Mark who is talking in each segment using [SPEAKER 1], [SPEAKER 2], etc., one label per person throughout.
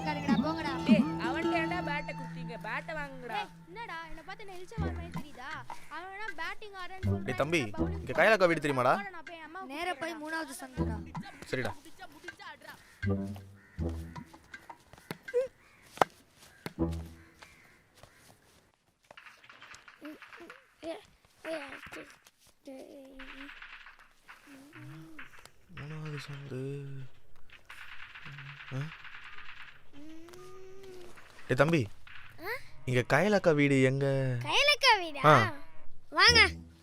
[SPEAKER 1] இருக்காருங்கடா போங்கடா.
[SPEAKER 2] டேய் அவன்ட்ட ஏன்டா பேட்ட குடுத்தீங்க? பேட்ட வாங்குங்கடா.
[SPEAKER 1] என்னடா என்ன பார்த்து என்ன இழுச்சவார் மாதிரி தெரியுதா? அவனா பேட்டிங் ஆடுறேன்னு சொல்றான்.
[SPEAKER 3] டேய் தம்பி, இங்க கைலாக்கா வீடு தெரியுமாடா?
[SPEAKER 1] நேரா போய் 3வது சந்துடா.
[SPEAKER 3] சரிடா. மூணாவது சந்து. டேய் தம்பி, இங்க கைலாக்கா வீடு எங்க?
[SPEAKER 4] கைலாக்கா வீடா? வாங்க.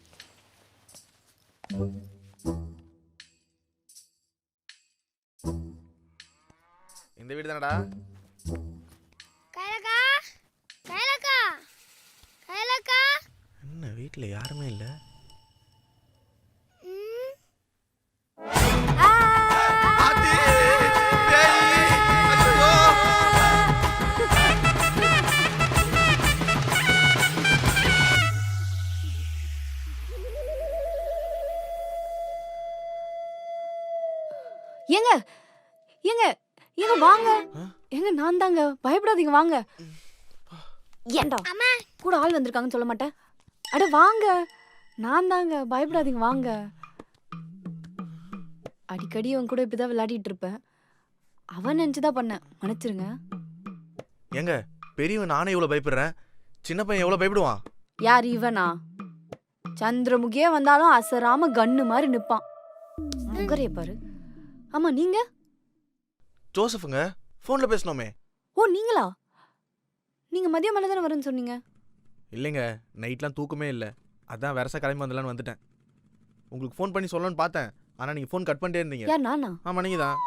[SPEAKER 3] இந்த வீடு தானடா?
[SPEAKER 4] கைலாக்கா, கைலாக்கா, கைலாக்கா.
[SPEAKER 3] என்ன வீட்ல யாருமே இல்ல?
[SPEAKER 5] ஏங்க ஏங்க ஏங்க வாங்க. ஏங்க நான் தாங்க, பயப்படாதீங்க வாங்க. ஏண்டா
[SPEAKER 4] அம்மா
[SPEAKER 5] கூட ஆள் வந்திருக்காங்கன்னு சொல்ல மாட்டேன்? அட வாங்க, நான் தாங்க, பயப்படாதீங்க வாங்க. அடிக்கடி அவன் கூட இப்படிதான் விளையாடிட்டு இருப்பேன். அவன் நினைச்சுதான் பண்ணேன், மன்னிச்சிருங்க.
[SPEAKER 3] ஏங்க பெரியவன் நானே இவ்வளவு பயப்படுறேன், சின்ன பையன் எவ்வளவு பயப்படுவான்?
[SPEAKER 5] யார் இவனா? சந்திரமுகியே வந்தாலும் அசராம கண்ணு மாதிரி நிப்பான். முகரைய பாரு. ஆமா நீங்க?
[SPEAKER 3] ஜோசஃப்ங்க, போன்ல பேசணுமே.
[SPEAKER 5] ஓ நீங்களா? நீங்க மதியம் மேல தானே வரேன்னு சொன்னீங்க.
[SPEAKER 3] இல்லைங்க, நைட்லாம் தூக்கமே இல்லை, அதான் வரசா கிளம்பி வந்துடலான்னு வந்துட்டேன். உங்களுக்கு ஃபோன் பண்ணி சொல்லணும்னு பார்த்தேன், ஆனால் நீங்கள் ஃபோன் கட் பண்ணிட்டே இருந்தீங்க.
[SPEAKER 5] யார் நானா?
[SPEAKER 3] ஆமாம் நீங்கள் தான்.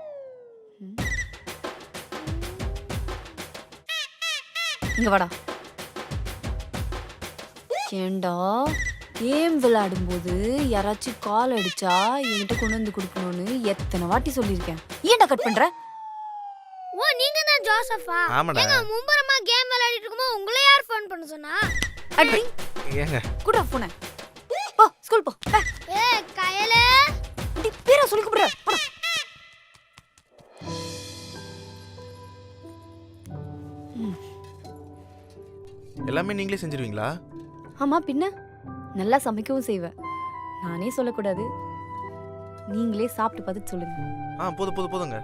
[SPEAKER 5] இங்க வாடா. ஏண்டா கேம் விளையாடும்போது யாராச்சும் கால் அடிச்சா என்கிட்ட கொண்டு வந்து கொடுக்கணும்னு எத்தனை வாட்டி சொல்லியிருக்கேன். ஏன்டா கட் பண்ற?
[SPEAKER 4] ஓ நீங்க தான் ஜோசஃபா?
[SPEAKER 3] ஆமாடா.
[SPEAKER 4] ஏங்க மும்பரமா கேம் விளையாடிட்டு இருக்கும்போது உங்களை யார் ஃபோன் பண்ண சொன்னா?
[SPEAKER 5] அடி
[SPEAKER 3] ஏங்க
[SPEAKER 5] குடா போனே. போ ஸ்கூல் போ.
[SPEAKER 4] ஏய் கையலே,
[SPEAKER 5] டி பேர சொல்லி கூப்பிடுற. போடா.
[SPEAKER 3] எல்லாமே நீங்களே செஞ்சிருவீங்களா?
[SPEAKER 5] ஆமா பின்ன நல்லா சமைக்கவும் செய்வேன். நானே சொல்லக்கூடாது, நீங்களே சாப்பிட்டு பார்த்துட்டு சொல்லுங்க.
[SPEAKER 3] போதுங்க.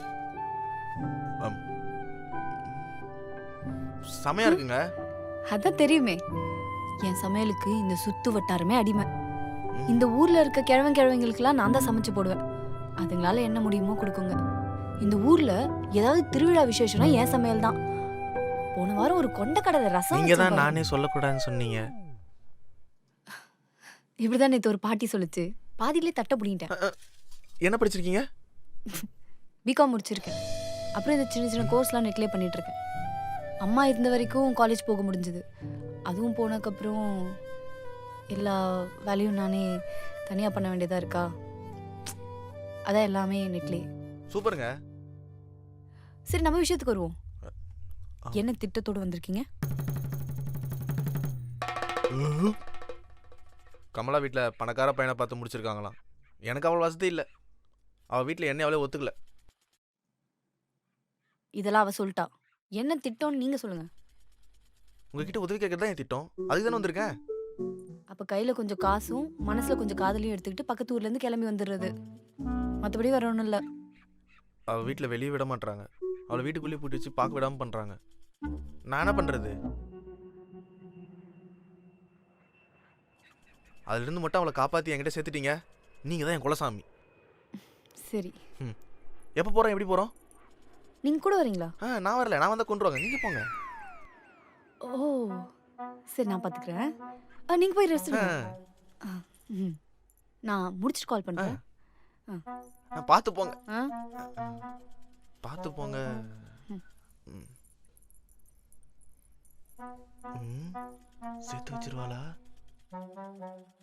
[SPEAKER 3] செமையா இருக்குங்க.
[SPEAKER 5] அதான் தெரியுமே, என் சமையலுக்கு இந்த சுத்து வட்டாரமே அடிமை. இந்த ஊர்ல இருக்க கிழவங்களுக்கெல்லாம் நான் தான் சமைச்சு போடுவேன். அதுங்களால என்ன முடியுமோ கொடுக்குங்க. இந்த ஊர்ல ஏதாவது திருவிழா விசேஷம்னா என் சமையல் தான். போன வாரம் ஒரு கொண்டக்கடலை ரசம்.
[SPEAKER 3] நீங்க தான் நானே சொல்லக்கூடாதுன்னு சொன்னீங்க.
[SPEAKER 5] இப்படிதான் நேத்து ஒரு பாட்டி சொல்லுச்சு, பாதியிலே தட்ட புடிங்கிட்டேன்.
[SPEAKER 3] என்ன படிச்சிருக்கீங்க?
[SPEAKER 5] பிகாம் முடிச்சிருக்கேன். அப்புறம் இந்த சின்ன சின்ன கோர்ஸ்லாம் நெட்லேயே பண்ணிட்டு இருக்கேன். அம்மா இருந்த வரைக்கும் காலேஜ் போக முடிஞ்சது. அதுவும் போனதுக்கப்புறம் எல்லா வேலையும் நானே தனியாக பண்ண வேண்டியதாக இருக்கா. அதான் எல்லாமே நெட்லேயே.
[SPEAKER 3] சூப்பருங்க.
[SPEAKER 5] சரி நம்ம விஷயத்துக்கு வருவோம். என்ன திட்டத்தோடு வந்திருக்கீங்க?
[SPEAKER 3] கமலா வீட்டில் பணக்கார பையனை பார்த்து முடிச்சிருக்காங்களாம். எனக்கு அவ்வளோ வசதி இல்லை, அவள் வீட்டில் என்ன அவளே ஒத்துக்கல.
[SPEAKER 5] இதெல்லாம் அவ சொல்லிட்டா. என்ன திட்டம்னு நீங்க சொல்லுங்க.
[SPEAKER 3] உங்ககிட்ட உதவி கேட்கறது தான் என் திட்டம், அதுக்கு தானே வந்திருக்கேன்.
[SPEAKER 5] அப்ப கையில கொஞ்சம் காசும் மனசுல கொஞ்சம் காதலையும் எடுத்துக்கிட்டு பக்கத்து ஊர்ல இருந்து கிளம்பி வந்துடுறது. மற்றபடி வர ஒன்றும் இல்லை.
[SPEAKER 3] அவள் வீட்டில் வெளியே விட மாட்டாங்க, அவளை வீட்டுக்குள்ளேயே பூட்டி வச்சு பார்க்க விடாமல் பண்ணுறாங்க. நான் என்ன பண்ணுறது? அதுலேருந்து மட்டும் அவளை காப்பாற்றி என்கிட்ட சேர்த்துட்டீங்க. நீங்கள் தான் என் குலசாமி.
[SPEAKER 5] சரி
[SPEAKER 3] எப்போ போகிறோம், எப்படி போகிறோம்?
[SPEAKER 5] நீங்க கூட வரீங்களா?
[SPEAKER 3] நான் வரல, நான் வந்தால் கொண்டுருவாங்க, நீங்கள் போங்க.
[SPEAKER 5] ஓ சரி நான் பார்த்துக்கிறேன். நீங்க போய் ரெஸ்ட் நான் முடிச்சுட்டு கால் பண்ணுறேன்.
[SPEAKER 3] பார்த்து போங்க. பார்த்து போங்க. சேர்த்து வச்சிருவாளா?